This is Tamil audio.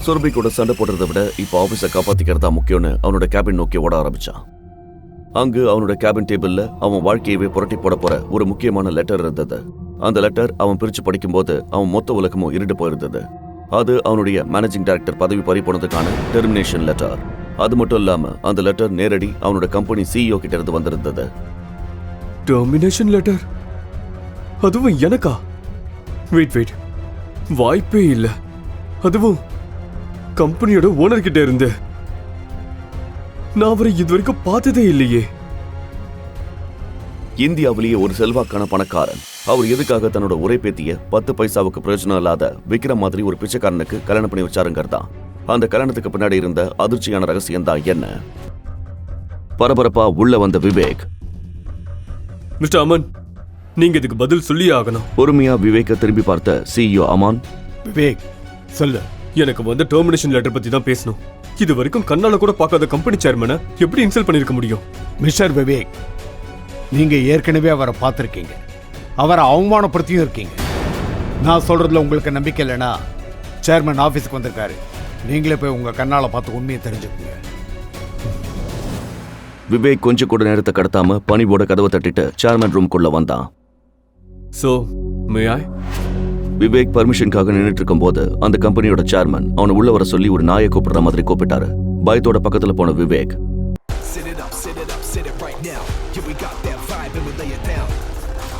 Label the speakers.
Speaker 1: சுரபி கூட சண்டை போடுறதை விட இப்போ ஆபீஸை காப்பாத்திக்கிறதா முக்கியம்னு அவனோட கேபின் நோக்கி ஓட ஆரம்பிச்சான். அங்கு அவனோட கேபின் டேபிள்ல அவன் வாழ்க்கையவே புரட்டி போட போற ஒரு முக்கியமான லெட்டர் இருந்தது. அந்த லெட்டர் அவன் பிரிச்சு படிக்கும்போது அவன் மொத்த உலகமும் இருண்டு போயிருந்தது. அது அவனுடைய மேனேஜிங் டைரக்டர் பதவி பறி போனதுக்கான டெர்மினேஷன் லெட்டர். அது மட்டும் இல்லாம அந்த லெட்டர் நேரடி அவனோட கம்பெனி சிஇஓ கிட்ட இருந்து வந்திருந்தது.
Speaker 2: Termination letter? அதுவும் எனக்கா? வெயிட், வாய்ப்பே இல்ல. அதுவும் கம்பெனியோட ஓனர் கிட்ட இருந்து. நான் அவரை இதுவரைக்கும் பார்த்ததே இல்லையே.
Speaker 1: இந்தியாவிலேயே ஒரு செல்வாக்கான பணக்காரன். அவர் எதுக்காக தன்னோட ஒரே பேத்திய 10 பைசாவுக்கு பிரயோஜனம் இல்லாத விக்ரம் மாதிரி ஒரு பிச்சைக்காரனுக்கு கல்யாணம் பண்ணி வச்சாருங்கிறதா அந்த கல்யாணத்துக்கு பின்னாடி இருந்த அதிர்ச்சியான ரகசியம் தான் என்ன? பரபரப்பா உள்ள வந்த விவேக்,
Speaker 2: மிஸ்டர் அமன், நீங்க இதுக்கு பதில் சொல்லி ஆகணும்.
Speaker 1: பொறுமையா விவேக்க திரும்பி பார்த்த சிஇஓ அமான்,
Speaker 3: விவேக் சொல்லு.
Speaker 2: எனக்கு வந்து டெர்மினேஷன் லெட்டர் பத்தி தான் பேசணும். இது வரைக்கும் கண்ணால கூட பார்க்காத கம்பெனி சேர்மனை எப்படி இன்சல்ட் பண்ணிருக்க முடியும்?
Speaker 3: மிஸ்டர் விவேக், நீங்க ஏற்கனவே அவரை பார்த்துருக்கீங்க, அவரை அவமானப்படுத்தியும் இருக்கீங்க. நான் சொல்றதுல உங்களுக்கு நம்பிக்கை இல்லைன்னா சேர்மன் ஆஃபீஸுக்கு வந்திருக்காரு. நீங்களே போய் உங்க கண்ணால பார்த்து உண்மையை தெரிஞ்சுக்கோங்க.
Speaker 1: விவேக் கொஞ்சம் கூட நேரத்தை கடத்தாம பணிவோட கதவை தட்டிட்டு சேர்மன் ரூம்குள்ள வந்தான்.
Speaker 2: சோ மே ஐ?
Speaker 1: விவேக் பர்மிஷனுக்காக நின்றுட்டு இருக்கும் போது அந்த கம்பெனியோட சேர்மன் அவனை உள்ள வர சொல்லி ஒரு நாயை கூப்பிடுற மாதிரி கூப்பிட்டாரு. பயத்தோட பக்கத்துல போன விவேக்